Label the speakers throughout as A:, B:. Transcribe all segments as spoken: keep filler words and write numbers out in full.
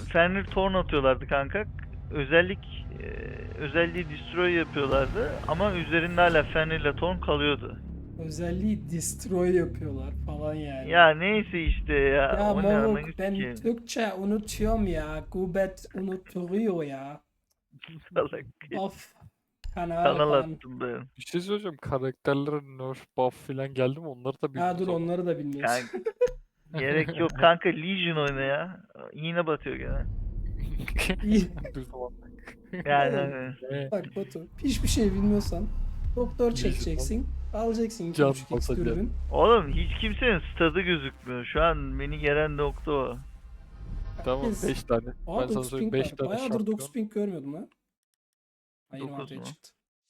A: Fenrir Torn atıyorlardı kanka. Özellik e, özelliği destroy yapıyorlardı ama üzerinde hala Fenrir ile Torn kalıyordu.
B: Özelliği destroy yapıyorlar falan yani.
A: Ya neyse işte ya.
B: Ya
A: O ne ananı
B: moruk ben
A: sikeyim.
B: Türkçe unutuyorum ya. Gubet unutturuyor ya.
A: Salak.
B: Of. Kanal
A: Kanal
B: kan.
A: attım ben.
C: Bir şey söyleyeceğim. Karakterlere nerf buff falan geldi mi? Onları da
B: Ha
C: bilmiyoruz
B: dur
C: ama.
B: onları da bilmiyoruz.
A: Kanka, gerek yok kanka, Legion oyna ya. Yine batıyor gene.
B: İyi.
C: Düz olan.
A: Yani
B: Oğlum,
A: hani.
C: Ne?
B: bak Batu hiçbir şey bilmiyorsan doktor
C: Legion
B: çekeceksin. Alacaksın iki
C: Can
B: buçuk x
C: basacak.
B: dürbün.
A: Oğlum hiç kimsenin stadı gözükmüyor. Şu an beni gelen nokta o.
C: Tamam
B: Herkes-
C: beş tane.
B: Aa
C: Ben sana
B: dokuz
C: söyleyeyim
B: ping
C: beş
B: var.
C: tane
B: Bayağıdır
C: şampiyon.
B: dokuz ping görmüyordum lan. Ha, yirmi
A: dokuz
B: altıya
A: mu?
B: çıktı.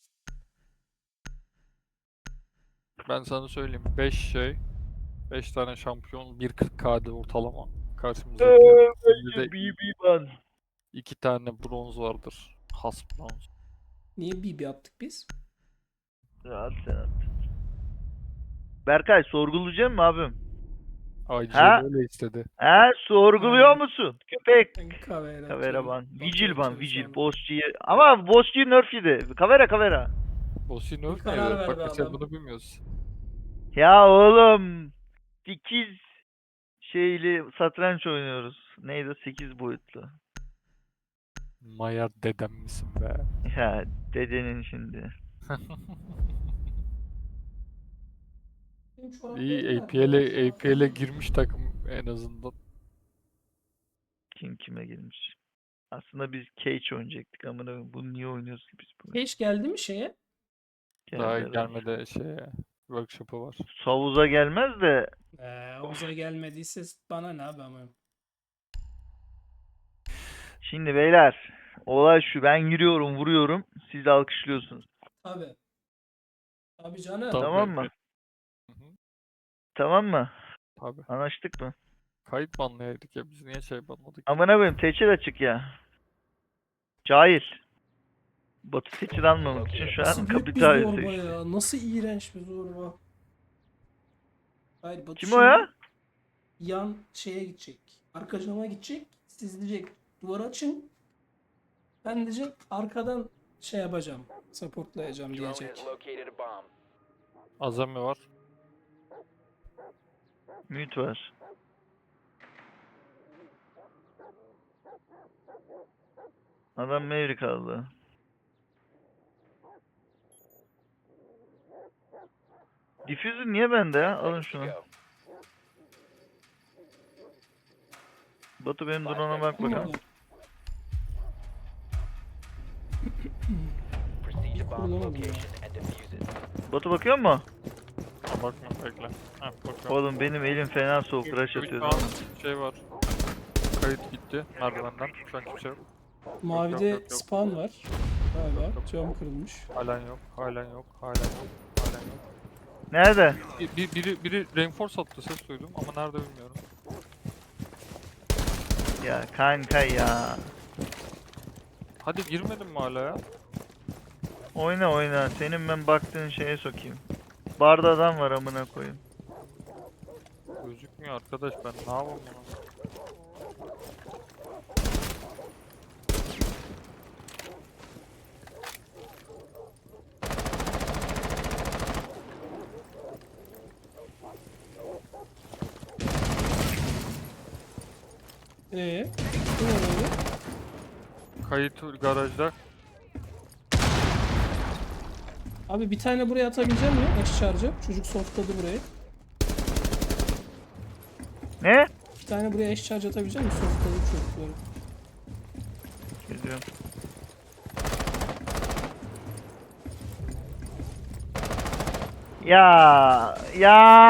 C: Ben sana söyleyeyim beş şey. beş tane şampiyon bir kırk K'de ortalama. Karşımızdaki de
A: B B ban.
C: iki tane bronz vardır. Has bronz.
B: Niye B B attık biz?
A: Rahat sen at. Berkay sorgulayacak mı abim?
C: I G
A: Ha?
C: L öyle istedi.
A: He sorguluyor
B: Ha.
A: musun? Köpek.
B: Ben Kavera
A: Kavera
B: atıyorum.
A: ban.
B: Batu
A: Vigil ban.
B: atıyor
A: Vigil.
B: sonra.
A: Bossçu'yu. Ama Bossçu'yu nerf yedi. Kavera kavera.
C: Boss'u
B: Bir
C: nerf
B: karar
C: neydi?
B: ver
C: Bak
B: be
C: mesela
B: adam.
C: bunu bilmiyoruz.
A: Ya oğlum. sekiz şeyli satranç oynuyoruz. Neydi? sekiz boyutlu.
C: Maya dedem misin be?
A: Ya dedenin şimdi.
B: Benim çoraplarım
C: İyi
B: nerede
C: A P L'e
B: ya?
C: A P L'e girmiş takım en azından.
A: Kim kime girmiş. Aslında biz Cage oynayacaktık ama bunu niye oynuyoruz ki biz bunu?
B: Hiç geldi mi şeye?
C: Daha
A: Geldi herhalde.
C: gelmedi şeye. Workshop'u var.
A: Savuz'a gelmez de
B: Ee, Oğuz'a gelmediyse bana ne abi ama.
A: şimdi beyler olay şu, ben giriyorum vuruyorum, siz de alkışlıyorsunuz.
B: Tabi. Tabi canım.
C: Tabii.
A: Tamam mı?
C: Hı hı.
A: Tamam mı?
C: Tabii.
A: Anlaştık mı?
C: Kayıt banlayaydık ya biz niye şey banladık?
A: Amına koyayım, teçhir açık ya. Cahil. Batı teçhir almamak için şu
B: Nasıl
A: an
B: büyük bir
A: kapital
B: zorba
A: seçti.
B: ya. Nasıl iğrenç bir zorba. Hayır Batu
A: Kim o
B: şimdi
A: ya?
B: yan şeye gidecek. Arka cama gidecek. Siz diyecek duvarı açın. Ben diyecek arkadan şey yapacağım. Supportlayacağım diyecek.
C: Azami var.
A: Mute var. Adam Maverick aldı. Diffuser niye bende ya? Alın şunu. Batu benim drone'a bak
B: Kim
A: bakalım.
B: orada? Bir kurulamadım ya.
A: Batu bakıyor mu?
C: Ha, bakma bekle. Ha bakıyorum.
A: Oğlum benim elim fena soğuk, rush
C: Şu
A: atıyor.
C: an şey var. Kayıt gitti merdivenden. Şu an kimse yok.
B: Mavide
C: yok, yok, yok.
B: spawn var. Galiba.
C: Yok, yok.
B: Cam kırılmış.
C: Halen yok. Halen yok. Halen yok. Halen yok.
A: Nerede?
C: Bir, bir- biri, biri reinforce attı ses duydum ama nerede bilmiyorum.
A: Ya kanka ya.
C: Hadi girmedin mi hala ya?
A: Oyna oyna. Senin ben baktığın şeye sokayım. Barda adam var amına koyayım.
C: Gözükmüyor arkadaş ben ne yapayım bunu?
B: Eee? Kim orada?
C: Kayıt garajda.
B: Abi bir tane buraya atabilecek mi? Eş charge'ı. Çocuk softladı burayı.
A: Ne?
B: Bir tane buraya eş charge atabilecek mi? Softladı çocukları.
A: Geliyorum. Ya ya.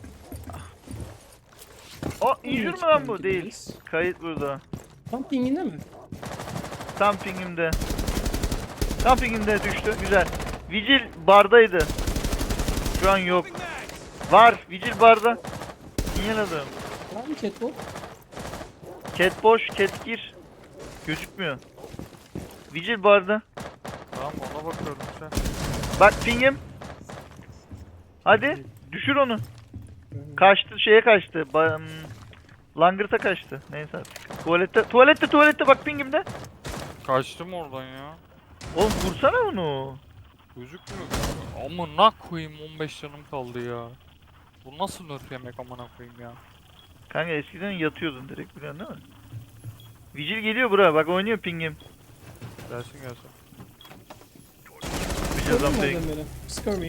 A: O injür mü lan bu? Değil. Kayıt burada.
B: Tam pinginde mi?
A: Tam pingimde. Tam pingimde düştü. Güzel. Vigil bardaydı. Şu an yok. Var. Vigil barda. İnyaladım.
B: Var mı catwalk?
A: Cat boş. Cat gir. Gözükmüyor. Vigil barda.
C: Tamam ona bakıyorum işte.
A: Bak pingim. Hadi. Düşür onu. Kaçtı. Şeye kaçtı. Ba hmm, Langırta kaçtı. Neyse artık. Tuvalette, tuvalette, tuvalette bak pingimde.
C: Kaçtım oradan ya.
A: Oğlum vursana onu.
C: Gözükmüyor. Amına koyayım, on beş canım kaldı ya. Bu nasıl nerf yemek amına koyayım ya.
A: Kanka eskiden yatıyordun direkt, biliyorsun değil mi? Vigil geliyor buraya, bak oynuyor pingim.
C: Gelsin gelsin.
A: Vigil
B: Gördün mü
A: jumping.
B: adam beni? Scurvy.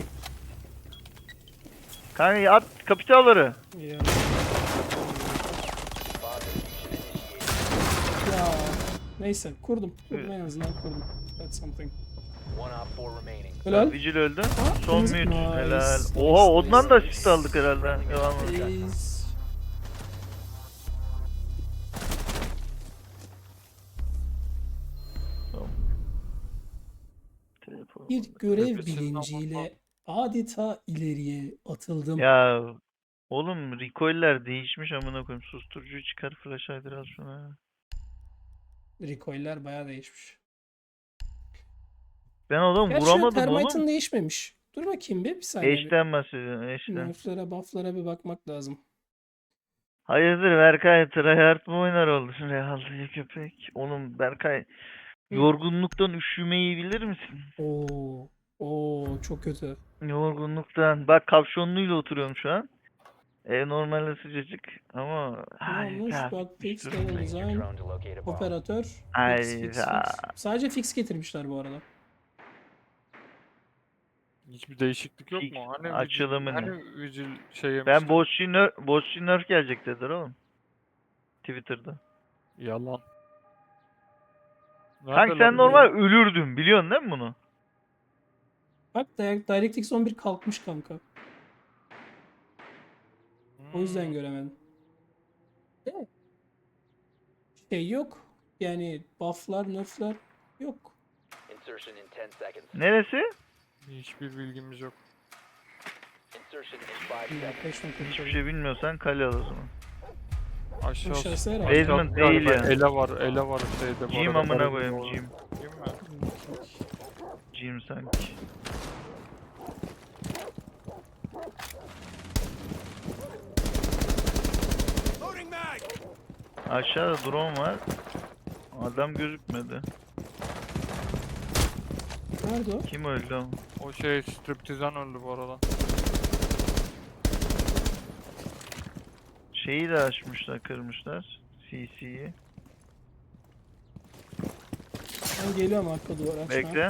A: Kanka at kapitalları.
B: Ya. Ya. Neyse kurdum. Kurdum en azından kurdum. That's something. Helal.
A: Vigil öldü.
B: Ha,
A: Son
B: kırmızı-
A: mute.
B: Nice,
A: Helal.
B: nice,
A: Oha ondan da
B: nice.
A: asist aldık herhalde. Devam edelim.
B: Please.
A: Telefon.
B: Bir görev
C: Nefesini
B: bilinciyle adeta ileriye atıldım.
A: Ya oğlum recoiller değişmiş amına koyayım. Susturucuyu çıkar, flash aydır az şuna.
B: Recoiller bayağı değişmiş.
A: Ben adam
B: Gerçi
A: vuramadım
B: Termite'ın
A: oğlum.
B: değişmemiş. Dur bakayım bir, bir saniye. bir.
A: Eşten bahsediyorum, eşten.
B: Nerf'lere, buff'lara bir bakmak lazım.
A: Hayırdır Berkay, tryhard mı oynar oldun Real'de köpek? Oğlum Berkay,
B: Hı.
A: yorgunluktan üşümeyi bilir misin?
B: Oo, oo çok kötü.
A: Yorgunluktan. Bak kapşonluyla oturuyorum şu an. Ev normalde sıcacık ama
B: Ne olmuş?
A: hayda.
B: Bak fix,
A: üşütürüm
B: level
A: beni.
B: design, operatör, fix, fix,
A: Hayda.
B: fix. Sadece fix getirmişler bu arada.
C: Hiçbir değişiklik yok
A: Fix
C: mu? Hani vigil,
A: açılımını.
C: hani vigil şey yemişti.
A: Ben Bossy Nerf, Bossy Nerf gelecek dediler oğlum. Twitter'da.
C: Yalan.
A: Kanka
C: Nerede
A: sen
C: lan?
A: normal ölürdün, biliyorsun değil mi bunu?
B: Bak Di- DirectX on bir kalkmış kanka. O yüzden
C: Hmm.
B: göremedim. De, şey yok. Yani buff'lar, nerf'ler yok.
A: Neresi?
C: Hiçbir bilgimiz yok.
B: Yaklaşma
A: Hiçbir şey bilmiyorsan kale al o zaman.
C: Aşağısı.
B: Aşağısı herhalde.
A: Basement
C: aşağısı
A: değil
C: galiba
A: ya.
C: Ele var, ele var şeyde. bu
A: Jim
C: arada,
A: amına
C: garajın
A: koyayım,
C: orada.
A: Jim.
C: Jim mi?
A: Jim sanki. Aşağıda drone var. Adam gözükmedi.
B: Nerede o?
A: Kim öldü o?
C: O şey striptizden öldü bu arada.
A: Şeyi de açmışlar, kırmışlar. C C'yi.
B: Ben geliyorum arka duvara açmaya.
A: Bekle.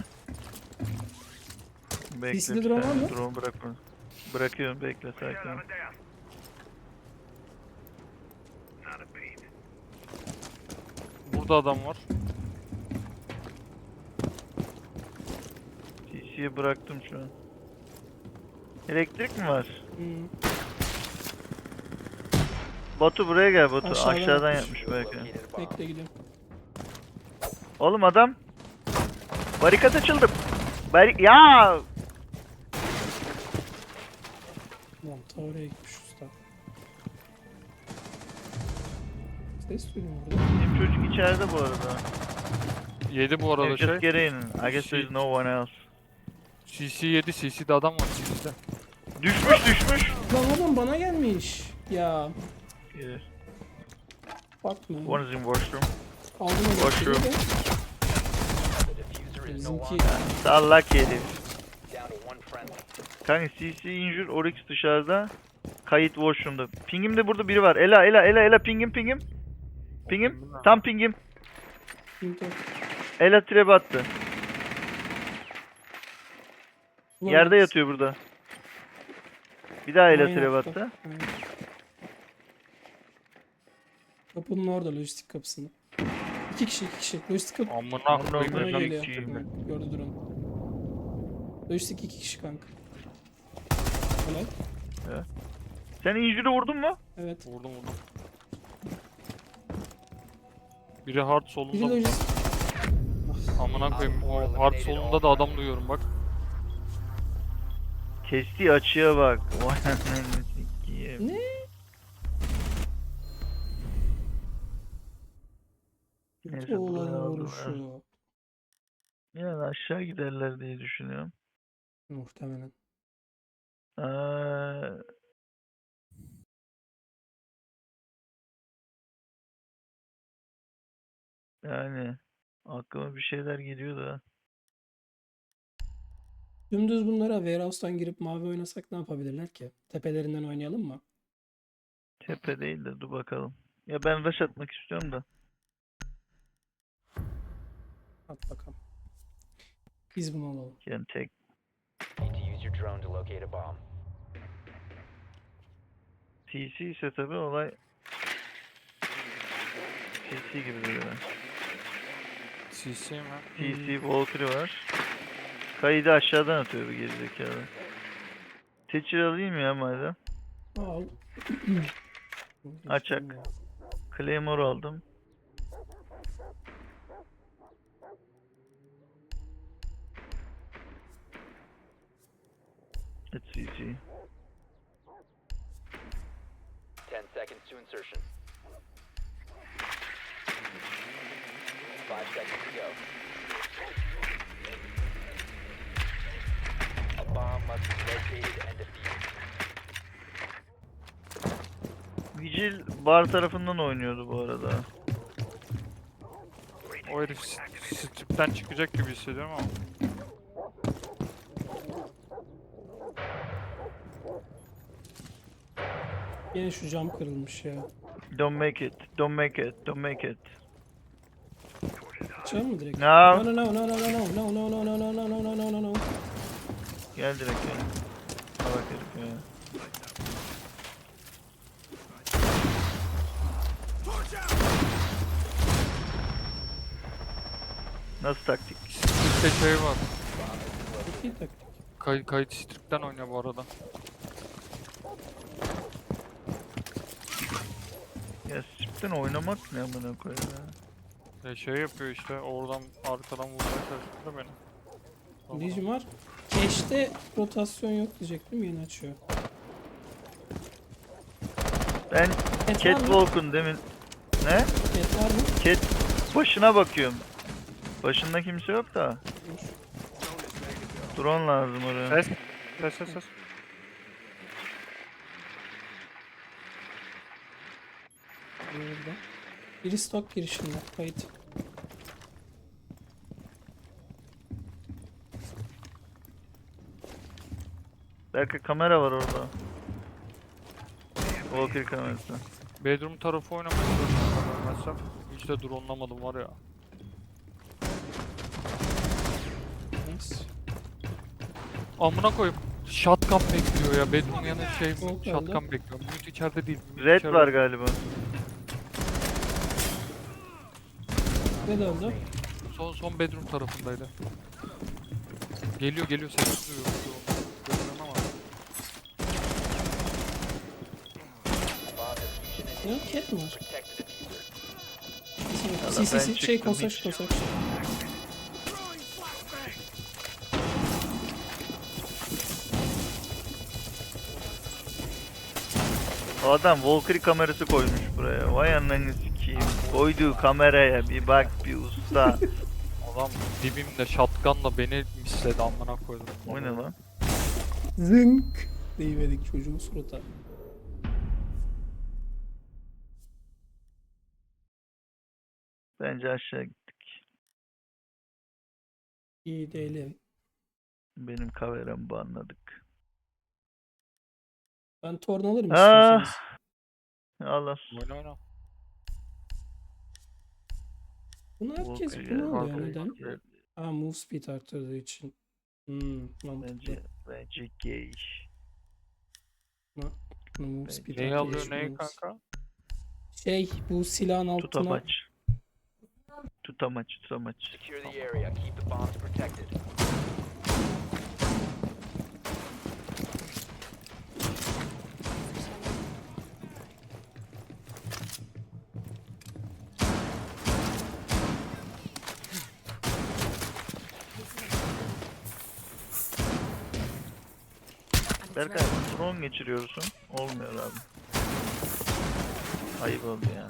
A: Bekle.
B: C C'de
A: bir
B: drone var
A: saniye,
B: mı?
A: Drone bırakma. Bırakıyorum, bekle sakin ol.
C: Burada adam var.
A: C C'yi bıraktım şu an. Elektrik mi var?
B: Hmm.
A: Batu buraya gel Batu.
B: Aşağıdan
A: Aşağıdan
B: yapmış.
A: yapmış belki.
B: Bekle gidiyorum.
A: Oğlum adam. Barikat açıldı. Barik ya.
B: Tamam ta oraya gitmiş usta. Ses duydum burada.
A: Bizim çocuk içeride bu arada.
C: Yedi bu arada
A: Just
C: şey.
A: get in. I guess there's no one else.
C: C C yedi. C C'de adam var C C'de.
A: Düşmüş düşmüş.
B: Lan adam bana gelmiş. Ya
A: Yeah.
B: bakma.
A: One is in washroom.
B: Aldım
A: Boş
B: elektriği
A: ver.
B: de. Bizimki
A: Sallak herif. Kanka C C injure, Oryx dışarıda. Kayıt washroom'da. Pingim de burada biri var. Ela ela ela ela pingim pingim. Pingim. Tam pingim.
B: Pinto.
A: Ela trap attı.
B: Ulan
A: Yerde
B: bak,
A: yatıyor burada. Bir daha ela
B: aynen
A: trap
B: yaptı.
A: attı.
B: Aynen. Kapının orada, lojistik kapısında. İki kişi, iki kişi. Lojistik kapı
C: Amına
A: Amına
C: koyayım.
B: bana
A: koyayım.
C: ben
B: geliyor.
C: sikeyim ben.
B: Evet, gördü drone. Lojistik iki kişi kanka. Helal.
A: Sen injure'ı vurdun mu?
B: Evet.
C: Vurdum vurdum. Biri hard
B: Biri
C: solunda.
B: lojistik.
C: Amına koyayım. O hard solunda da adam duyuyorum bak.
A: Kestiği açıya bak. Vay anasını sikeyim.
B: Ne?
A: Neyse,
B: Oğlan
A: buraya aldılar.
B: vuruşu.
A: Yani aşağı giderler diye düşünüyorum.
B: Muhtemelen.
A: Ee, Yani aklıma bir şeyler geliyor da.
B: Dümdüz bunlara Warehouse'dan girip mavi oynasak ne yapabilirler ki? Tepelerinden oynayalım mı?
A: Tepe değil de dur bakalım. Ya ben rush atmak istiyorum da.
B: At bakalım. Biz bunu alalım.
A: Yani tek
D: Need to use your drone to locate a bomb.
A: T C ise tabi olay T C gibi duruyor.
C: C C mi?
A: T C Valkyrie var. Kaydı aşağıdan atıyor bu gerizekalı. Teçhir alayım ya madem.
B: Al.
A: Açak. Claymore aldım. It's C C.
D: Ten seconds to insertion. Five seconds to go. A bomb must be located and defused.
A: Vigil bar tarafından oynuyordu bu arada.
C: O herif s- stripten çıkacak gibi hissediyorum ama.
B: Yine şu cam kırılmış ya.
A: Don't make it, don't make it, don't make it.
B: Açalım mı direkt?
A: No.
B: No no no no no no no no no no no no no no no no no.
A: Gel direkt ya. Salak herif ya. Nasıl taktik?
C: Stripte şey var.
B: Çok iyi taktik.
C: Kay kayıt stripten oynuyor bu arada.
A: Ya stripten oynamak ne amına koyayım ya.
C: Ya şey yapıyor işte oradan arkadan vurmaya çalışıyor da beni. Sonra-
B: Diyeceğim var. Cash'te rotasyon yok diyecektim, yeni açıyor.
A: Ben
B: Et var mı?
A: Catwalk'un demin... Ne?
B: Et var mı?
A: Cat başına bakıyorum. Başında kimse yok da.
B: Dur.
A: Drone lazım oraya.
C: Ses. Ses ses ses.
B: Burada. Biri stok girişinde. Kayıt.
A: Belki kamera var orada. Walker kamerası.
C: Bedroom tarafı oynamaya çalışıyorum ben ölmezsem. Hiç de drone'lamadım var ya.
B: Nice.
C: Amına koyup shotgun bekliyor ya. Bedroom yanı şey
B: Smoke
C: shotgun bekliyor. Mute içeride değil. Mute
A: Red
C: içeride.
A: var galiba.
B: Ne döndü?
C: Son son bedroom tarafındaydı. Geliyor geliyor sesi duyuyor. Görüyorum ama.
D: Bomb diffusion
B: Ne?
D: initiated.
B: Cat mi var?
D: Protect the diffuser.
A: Valla
B: Si si
A: ben
B: si şey
A: çıktım
B: kosaç
A: hiç.
B: kosaç.
A: O adam Valkyrie kamerası koymuş buraya. Vay ananı sikeyim. Koyduğu kameraya bir bak bir usta.
C: Adam dibimde shotgunla beni misledi amına koydum.
A: O ne lan?
B: Zınk. Deyiverdik çocuğun surata.
A: Bence aşağı gittik.
B: İyi değilim.
A: Benim kameramı banladık.
B: Ben torn alırım
A: Ah.
B: istiyorsanız.
A: Allah.
C: Oyna oyna.
B: Bunu herkes
A: Walker
B: bunu
A: ya,
B: alıyor
C: Walker.
B: neden? Aa, move speed arttırdığı için. Hmm, mantıklı.
A: Bence, bence gay.
B: Bunu move speed
C: Neyi
B: arttırdığı
C: alıyor
B: için
C: neyi
B: move-
C: kanka?
B: Şey, bu silahın altına
A: Tutamaç. Tutamaç, tutamaç.
D: Secure the area. Keep the bombs protected.
A: Berkay drone geçiriyorsun. Olmuyor abi. Ayıp oldu ya.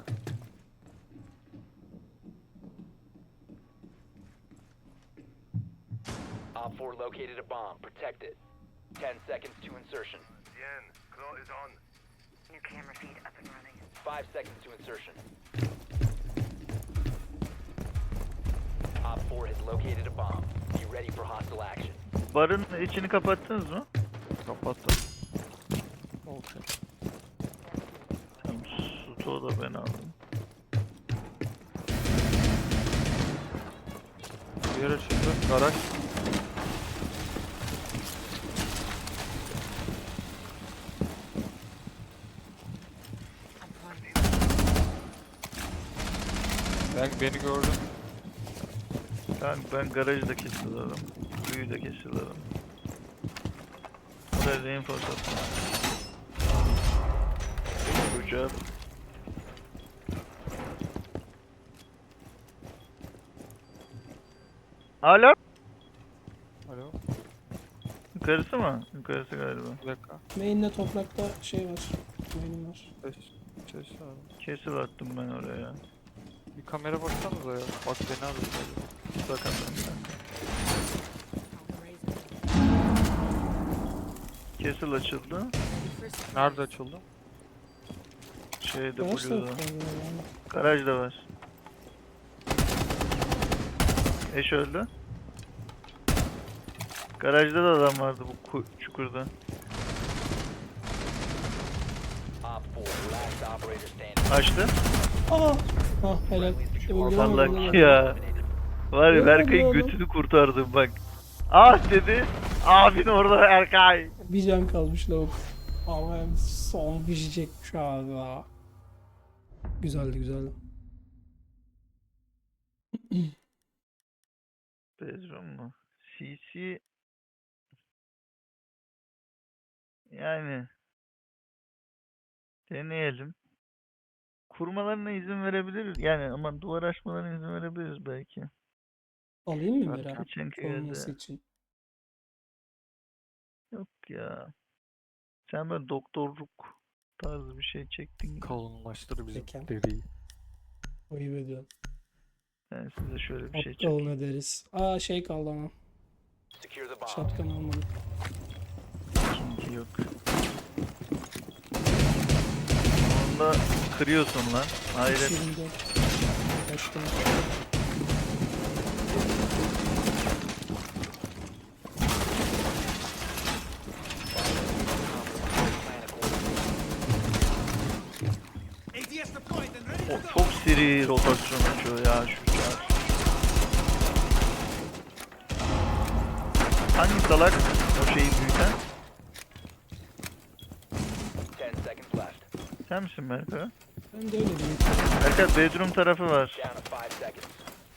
D: Op four located a bomb. Protect it. Ten seconds to insertion.
E: Bien, Claw is on.
F: New camera feed up and running.
D: Five seconds to insertion. located a bomb. Be ready for hostile action.
A: Barın içini kapattınız mı?
C: Kapattım. Okey.
A: Tamam, stoğu da ben aldım.
C: Diğer açıldı. Garaj. Ben beni gördün.
A: Ben, ben garajı da kesiyorum. Büyüyü de kesiyorum. Buraya reinforce attım. Good job. Alo?
C: Alo.
A: Yukarısı mı? Yukarısı galiba.
C: Bir dakika.
B: Main'le toprakta şey var. Main'im var.
C: Ses. Ses abi.
A: Kesil attım ben oraya.
C: Bir kamera baksanıza ya. Bak beni arıyor.
A: Bakalım ben. Kesil açıldı.
C: Nerede açıldı?
A: Şeyde
B: Garaj da
A: Blue'da.
B: yok yani.
A: Garajda var. Eş öldü. Garajda da adam vardı bu ku- çukurda.
D: Op four, last operator standing.
A: Açtı.
B: Aa! Ah helal. Öldüremedim
A: Vallahi
B: onu.
A: ya. Var ya
B: Ne
A: Berkay'ın
B: oldu oğlum?
A: götünü kurtardım bak. Ah dedi. Abin orada Berkay.
B: Bir can kalmış lavuk. Ama hem son pişecekmiş abi ya. Güzeldi güzeldi.
A: Bedroom mu? C C yani deneyelim. Kurmalarına izin verebiliriz. Yani ama duvar açmalarına izin verebiliriz belki.
B: Alayım mı
C: Berkay,
B: Mera?
A: Geçenki
B: Olması
A: yerde.
B: için.
A: Yok ya. Sen böyle doktorluk tarzı bir şey çektin gibi.
C: Kalınlaştır bizim
B: Peki.
C: deriyi.
B: Ayıp ediyorum.
A: Ben size şöyle bir şey
B: Aptal
A: çekeyim.
B: ne deriz. Aa şey kaldı ama.
D: Secure the bomb.
B: Şapkan almadım.
A: Çünkü yok. Onda kırıyorsun lan. Hayret.
B: yirmi dört. Kaçtım.
A: O çok seri rotasyon açıyor ya şu şarj. Hangi salak o şeyi büyüten?
D: Ten seconds left.
A: Sen misin Berkay?
B: Ben de öyle diyeyim.
A: Berkay bedroom tarafı var.
D: Down to five seconds.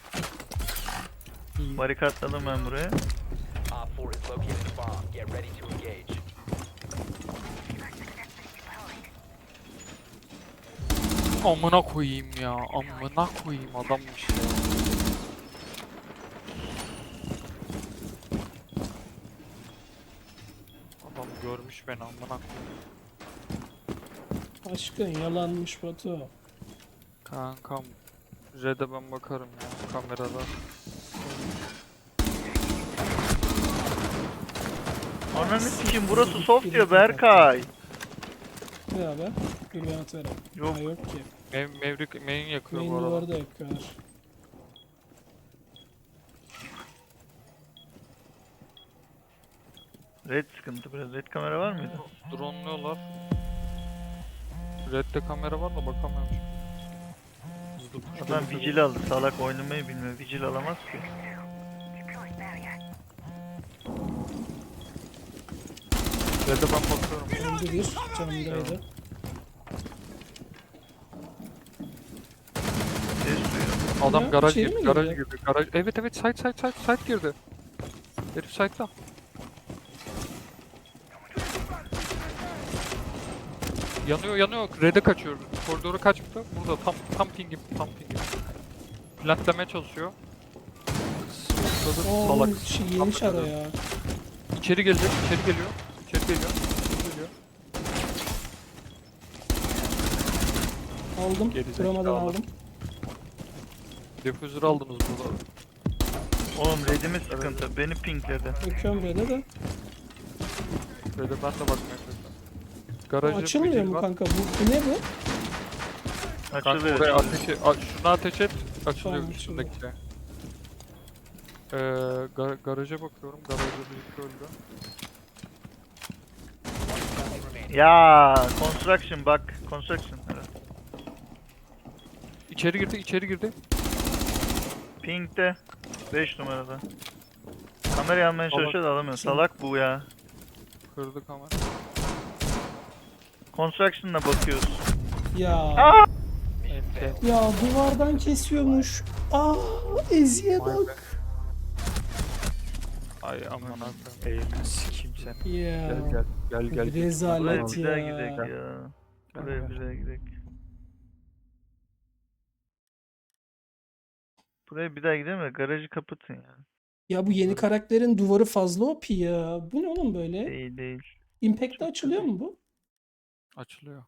B: İyi.
A: Barikatladım ben buraya.
D: Op four has located a bomb. Get ready to engage.
C: Amına koyayım ya. Amına koyayım adammış ya. Adam görmüş beni amına koyayım.
B: Aşkın yalanmış Batu.
C: Kankam. Red'e ben bakarım ya kamerada.
A: Ananı sikeyim burası soft diyor Berkay.
B: Ne haber? Dur ben atarım.
A: Yok.
B: Ha, yok ki.
C: Mev Mevrik main yakıyor
B: Main
C: bu arada.
B: duvarı da yakıyorlar.
A: Red sıkıntı biraz. Red kamera var mıydı?
C: Drone'luyorlar. Red'de kamera var da bakamıyorum. Hızlı push
A: Adam
C: gelir.
A: vigil aldı. Salak oynamayı bilmiyor. Vigil alamaz ki.
C: Red'e ben bakıyorum.
B: Öldü bir. Camdaydı.
A: Ses duyuyor.
C: Adam
B: Ya,
C: garaj
B: içeri
C: girdi,
B: mi
C: garaj
B: girdi?
C: girdi, garaj. Evet evet side side side side girdi. Herif side'da. Yanıyor yanıyor. Red'e kaçıyor. Koridora kaçtı. Burada tam tam pingim tam pingim. Plantlamaya çalışıyor. Smokladı
B: Oo,
C: salak.
B: şey yemiş ara ya.
C: İçeri gelecek, içeri geliyor. İçeri geliyor. İçeri geliyor.
B: Aldım.
C: Gerizekalı.
B: Kuramadan aldım.
C: Defüzör aldınız burada.
A: Oğlum redimiz sıkıntı. Beni pinkledi.
B: Bakıyorum böyle de.
C: Red'e ben de bakmaya çalışıyorum.
B: Bu
C: Garajda
B: açılmıyor
C: vigil
B: mu
C: var.
B: kanka? Bu, bu ne bu?
C: Kanka
A: Açılıyor.
C: oraya
A: açılıyor.
C: ateşi, a- şuna ateş et, açılıyor
B: Tamam,
C: üstündeki şey. Ee, ga- garaja bakıyorum. Garajda bir öldü.
A: Ya construction bak. Construction. Evet.
C: İçeri girdi, içeri girdi.
A: Pink'te. beş numarada. Kamerayı almaya
C: Salak.
A: çalışıyor da alamıyor.
B: Kim?
A: Salak bu ya.
C: Kırdı kamera.
A: Construction'la bakıyoruz.
B: Ya
C: Ente.
B: ya duvardan kesiyormuş. Aa Ezi'ye
C: Vay be.
B: bak.
C: Ay aman akım. Eğilin sikeyim seni.
B: Ya.
C: Gel gel. Gel gel. gel.
B: Rezalet.
A: Buraya
B: Evet
A: bir daha
B: ya.
A: gidelim ya. Buraya
C: Gel,
A: bir
C: gel.
A: daha gidelim. Buraya bir daha gidelim de garajı kapatın ya.
B: Ya bu yeni karakterin duvarı fazla O P ya. Bu ne oğlum böyle?
A: Değil değil.
B: Impact'te
A: Çok
B: açılıyor mu bu?
C: Açılıyor.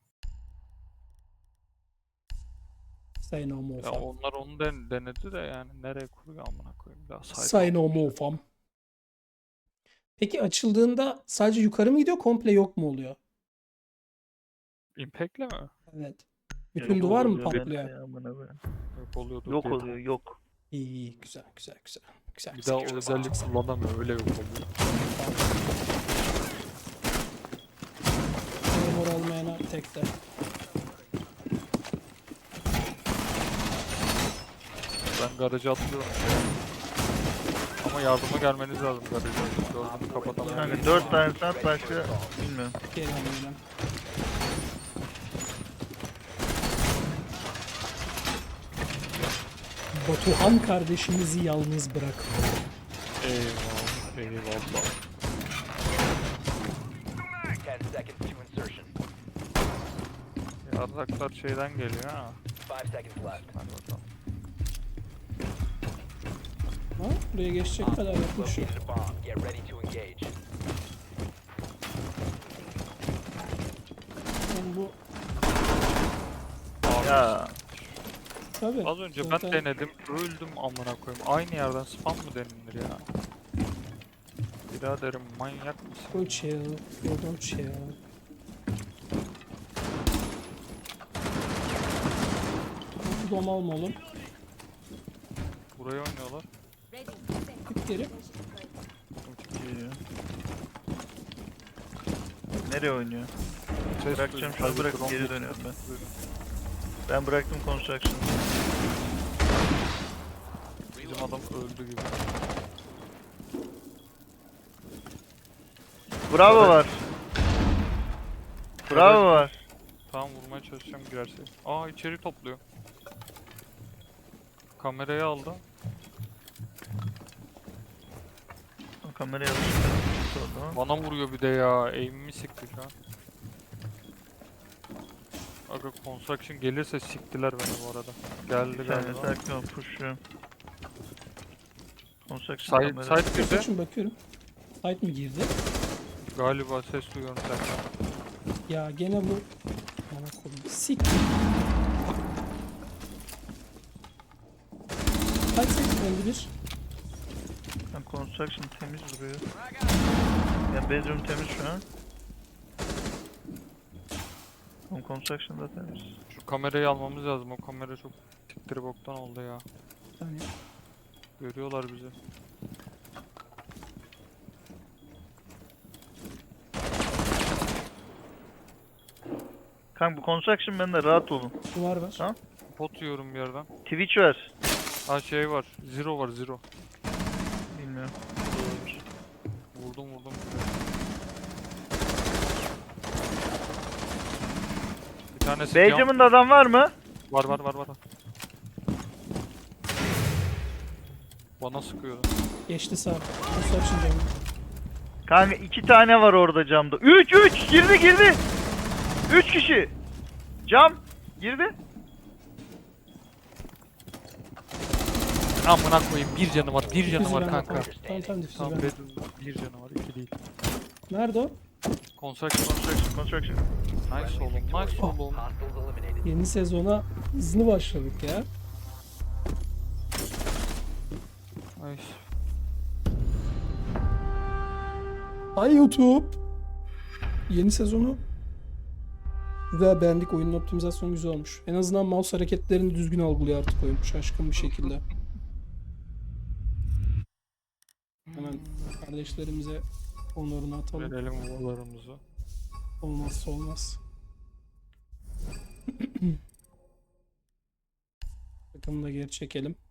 B: Say no more
C: Ya
B: fam.
C: onlar onu den denedi de yani nereye kuruyor amına koyayım daha site
B: Say no
C: olmuş.
B: more fam. Peki açıldığında sadece yukarı mı gidiyor, komple yok mu oluyor?
C: Impact'le mi?
B: Evet.
A: Ya
B: Bütün
A: yok
B: duvar mı
A: oluyor
B: patlıyor?
A: bence ya, amına koyayım.
C: Yok oluyordu.
A: Yok
C: diye
A: oluyor yok.
B: İyi iyi güzel güzel güzel. Güzel
C: Bir
B: güzel.
C: daha o özellik kullanamıyor öyle yok oluyor.
B: Memur olmayana tek de.
C: Ben garaja atlıyorum. Ama yardıma gelmeniz lazım garaja. Dördünü kapatamıyorum.
A: Kanka dört tane saat başka bilmiyorum.
B: Gelen gelen. Batuhan kardeşimizi yalnız bırakma.
C: Eyvallah. Eyvallah.
D: ten seconds to insertion.
C: Yardaklar şeyden geliyor ha.
D: five seconds left.
C: Hadi bakalım.
B: Ha? Buraya geçecek kadar yapmış.
D: Located a bomb. Get ready to engage.
B: Yani bu
C: Abi,
A: Ya
B: tabii.
C: az önce ben
B: zaten
C: denedim öldüm amına koyayım. Aynı yerden spam mı denilir ya? Biraderim manyak mısın?
B: Go chill. Go don't chill. Bu dom alma oğlum.
C: Buraya oynuyorlar.
B: Git geri.
A: geliyor. Nereye oynuyor?
C: Ses
A: Bırakacağım
C: duydum,
A: şunu,
C: sadece
A: bırak,
C: drone
A: geri
C: sesi
A: dönüyorum ben.
C: duydum.
A: Ben bıraktım construction'ı.
C: Bizim adam öldü gibi.
A: Bravo var. Bravo var.
C: Tamam vurmaya çalışacağım girerse. Aa içeri topluyor. Kamerayı aldı.
A: O kamerayı alıştırdım.
C: Bana vuruyor bir de ya. Aim'imi sikti şu an. Aga construction gelirse siktiler beni bu arada. Geldi
A: Bir saniye
C: galiba.
A: sakin ol, push'luyorum. Construction
C: Side,
A: kamera.
C: side girdi.
B: Kaçın bakıyorum. Fight mi girdi?
C: Galiba ses duyuyorum senden.
B: Ya gene bu. Bana koyayım. Sik. Kaç sekti öldü bir?
A: Yani construction temiz duruyor. Yani bedroom temiz şu an. Ama construction da temiz.
C: Şu kamerayı almamız lazım. O kamera çok tiktiri boktan oldu ya.
B: Yani
C: Görüyorlar bizi.
A: Kanka bu construction bende, rahat olun.
B: duvar var.
A: Tamam.
C: Pot yiyorum bir yerden.
A: Twitch var.
C: Ha şey var. Zero var zero.
A: Bilmiyorum.
C: Vurdum vurdum. Bir tanesi cam-
A: Benjamin'da adam var mı?
C: Var var var var. Bana sıkıyordu.
B: Geçti sağ. Construction camı.
A: Kanka iki tane var orada camda. üç üç girdi girdi. üç kişi. Cam girdi.
C: Amına koyayım bir canı var bir canı
B: Difüzü
C: var
B: ben
C: kanka.
B: atarım. Tamam tamam difüzü
C: Tam
B: ben.
C: bedroom bir canı var iki değil.
B: Nerede o?
C: Construction.
A: Construction construction.
C: Nice oğlum nice oğlum.
D: Hostiles eliminated.
B: Yeni sezona hızlı başladık ya.
C: Nice.
B: Ay YouTube. Yeni sezonu güzel, beğendik. Oyunun optimizasyonu güzel olmuş. En azından mouse hareketlerini düzgün algılıyor artık oyun. Şaşkın bir şekilde. Hemen kardeşlerimize onurunu atalım.
C: Verelim ovalarımızı.
B: Olmazsa olmaz. Takımı da geri çekelim.